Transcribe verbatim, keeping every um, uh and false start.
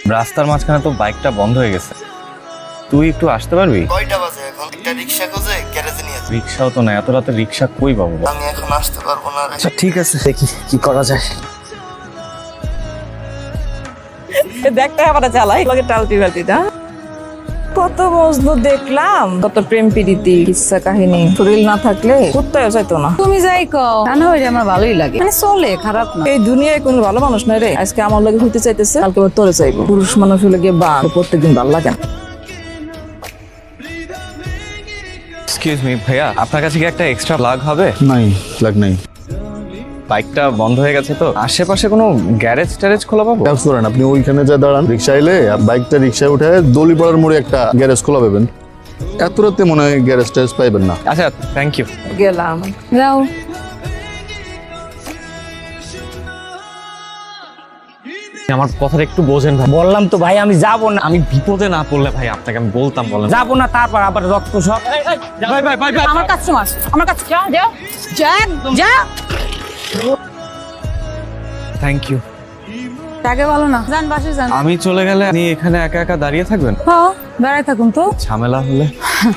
রাস্তার মাঝখানে তো বাইকটা বন্ধ হয়ে গেছে, তুই একটু আসতে পারবি? কয়টা বাজে এখন? একটা রিক্সা খুঁজে গ্যারেজে নিয়ে যাই। রিক্সাও তো না, এত রাতে রিক্সা কই পাবো? আমি এখন আসতে পারবো না রে। আচ্ছা ঠিক আছে, দেখি কি করা যায়। দেখতে আবার চালাই লগে টালটি বালতিটা কত মজনু দেখলাম, কত প্রেম প্রীতি কিচ্ছা কাহিনী। শরীর না থাকলে কোথাও যাইতো না। তুমি যাই কও রান্না হইলে আমার ভালোই লাগে, মানে চলে, খারাপ না। এই দুনিয়ায় কোনো ভালো মানুষ নাই রে। আজকে আমার লগে হইতে চাইতেছে, কালকে আবার তোরে চাইবো। পুরুষ মানুষ হলে গিয়ে বা প্রত্যেকদিন ভালো লাগে না। এক্সকিউজ মি ভাইয়া, আপনার কাছে কি একটা এক্সট্রা প্লাগ হবে? নাই, লাগ নাই। বাইকটা বন্ধ হয়ে গেছে তো, আশেপাশে কোনো গ্যারেজ ট্যারেজ খোলা পাবো? কাজ করেন, আপনি ওইখানে যা দাঁড়ান, রিক্সা এলে বাইকটা রিক্সায় উঠে দলিপাড়ার মোড়ে একটা গ্যারেজ খোলা পাবেন। এত রাতে মনে হয় গ্যারেজ ট্যারেজ পাইবেন না। আচ্ছা থ্যাংক ইউ। গেলাম। যাও। আমার কথাটা একটু বোঝেন ভাই। বললাম তো ভাই আমি যাবো না, আমি বিপদে না পড়লে ভাই আপনাকে আমি বলতাম, বলেন। যাবো না, তারপর আবার রক্ত সব। ভাই ভাই ভাই ভাই আমার কাস্টমার, আমার কাছে যা যাও যা যা। Thank you. তাকে বলো না, যান বাসে যান। আমি চলে গেলে আপনি এখানে একা একা দাঁড়িয়ে থাকবেন? হ্যাঁ দাঁড়ায় থাকুন তো। ঝামেলা হলে